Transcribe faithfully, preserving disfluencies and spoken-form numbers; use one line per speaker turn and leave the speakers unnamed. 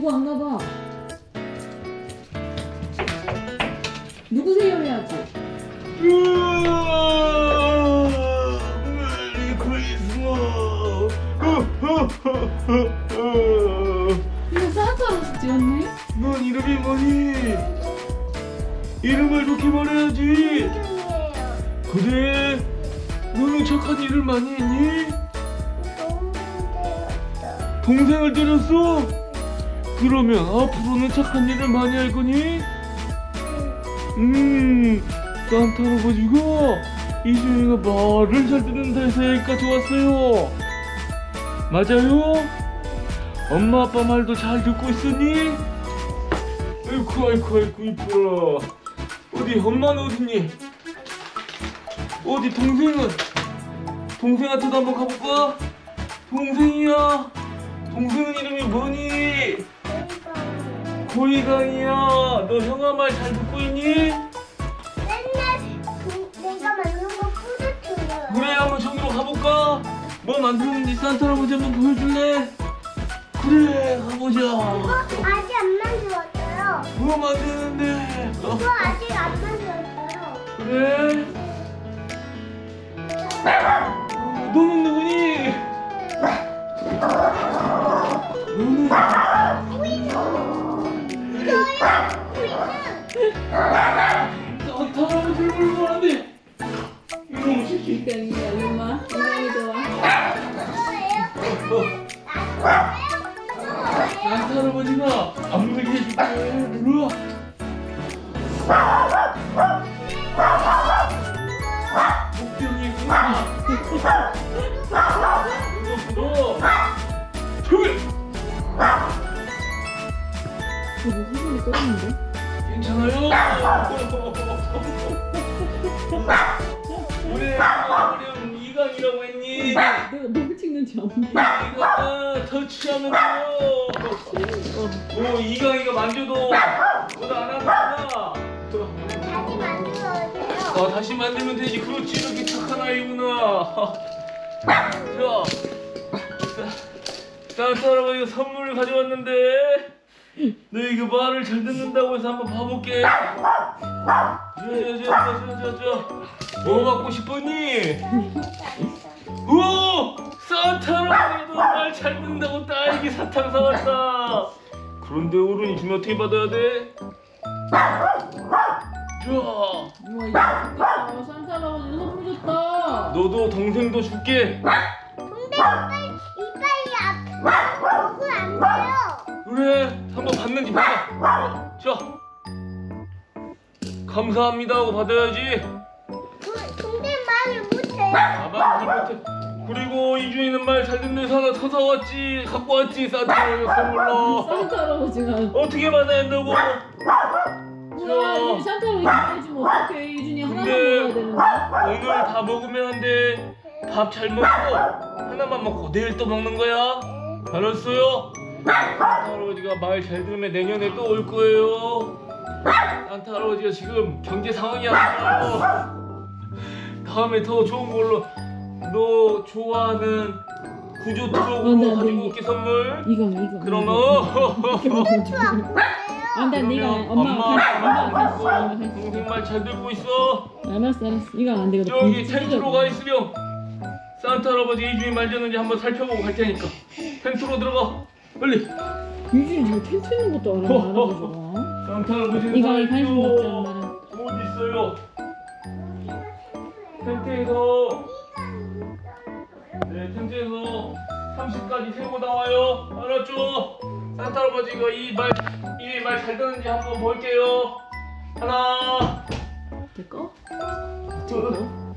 누구 왔나 봐. 누구세요 해야지.
메리 크리스마스.
이거 산타 할아버지 찍었네?
넌 이름이 뭐니? 이름을 좋게 말해야지. 그래? 너는 착한 일을 많이 했니? 동생을 때렸어? 그러면 앞으로는 착한 일을 많이 할 거니? 음, 산타 할아버지가 이준이가 말을 잘 듣는다 해서 여기까지 왔어요. 맞아요? 엄마 아빠 말도 잘 듣고 있으니? 아이쿠 아이쿠 아이쿠 이뻐라. 어디 엄마는 어딨니? 어디 동생은? 동생한테도 한번 가볼까? 동생이야. 동생은 이름이 뭐니? 고이강이야. 너 형아 말 잘 듣고 있니?
맨날 그, 내가 만든 거 뿌듯해요.
그래 한번 저기로 가볼까? 뭐 만들었는지 산타 할아버지 한번 보여줄래? 그래 가보자.
이거 아직 안 만들었어요.
뭐 만드는데? 어,
이거 아직 안 만들었어요.
그래? 어, 너는 누구니? 너는 산타 할아버지를 불고 왔는데 이놈 새끼.
이강이야 얼마? 이강이 좋아.
이거예요?
산타 할아버지가 안 물게 해줄게. 일로 와. 복병이구나. 이거 불어. 저기.
이거 후손이 떨어졌는데?
괜찮아요? 우리 우리 이강이라고 했니?
내가 누구 찍는지 안 보여.
이강아 터치하면 돼요. 오 이강이가 만져도 뭐도 안 하는구나.
다시 만들어요.
어, 다시 만들면 되지. 그렇지 이렇게 착한 아이구나. 자, 산타 할아버지가 선물을 가져왔는데 너 이거 말을 잘 듣는다고 해서 한번 봐볼게. 자자자자자자 뭐 갖고 싶었니? 우와 산타 할아버지가 너 말 잘 듣는다고 딸기 사탕 사왔다. 그런데 어른이 주면 어떻게 받아야 돼? 자
우와 이거 좋겠다. 산타 할아버지 선물 줬다.
너도 동생도 줄게.
근데 이빨, 이빨이 아프면 먹으면 안 돼요.
그래 한번 받는지 봐봐. 자 감사합니다 하고 받아야지.
그- 근데 말을 못해요.
아마 잘 못해. 그리고 이준이는 말 잘 듣는 사람 터사 왔지. 갖고 왔지 산타로 선물로.
산타 할아버지가
어떻게 받아야 한다고?
뭐야 이준이 산타 할아버지 해주면 어떡해. 이준이 하나만
근데
먹어야 되는데.
오늘 다 먹으면 안 돼. 밥 잘 먹고 하나만 먹고 내일 또 먹는 거야. 알았어요? 산타 할아버지가 말 잘 들으면 내년에 또 올 거예요. 산타 할아버지가 지금 경제 상황이 안 좋아요. 다음에 더 좋은 걸로 너 좋아하는 구조
어,
트럭으로
네,
가지고
네.
올게 선물.
이강 이강.
좋아.
안돼 네가
그러면
엄마가 갈 엄마가 갈수 있어. 엄마가 갈수 있어.
동생 말 잘 듣고 있어.
알았어 알았어. 이강 안 되거든.
저기 텐트로 가 있으렴. 산타 할아버지 이준이 말 듣는지 한번 살펴보고 갈 테니까 텐트로 들어가 빨리.
유준이 저 텐트 있는 것도 알아. 알아보죠.
산타 할아버지는
이강이
다
관심
있죠.
갖지 않나는.
어디 있어요? 텐트에서 네 텐트에서 삼십까지 세고 나와요. 알았죠? 산타 할아버지가 이 말 이 말 잘 듣는지 한번 볼게요. 하나
될까?
둘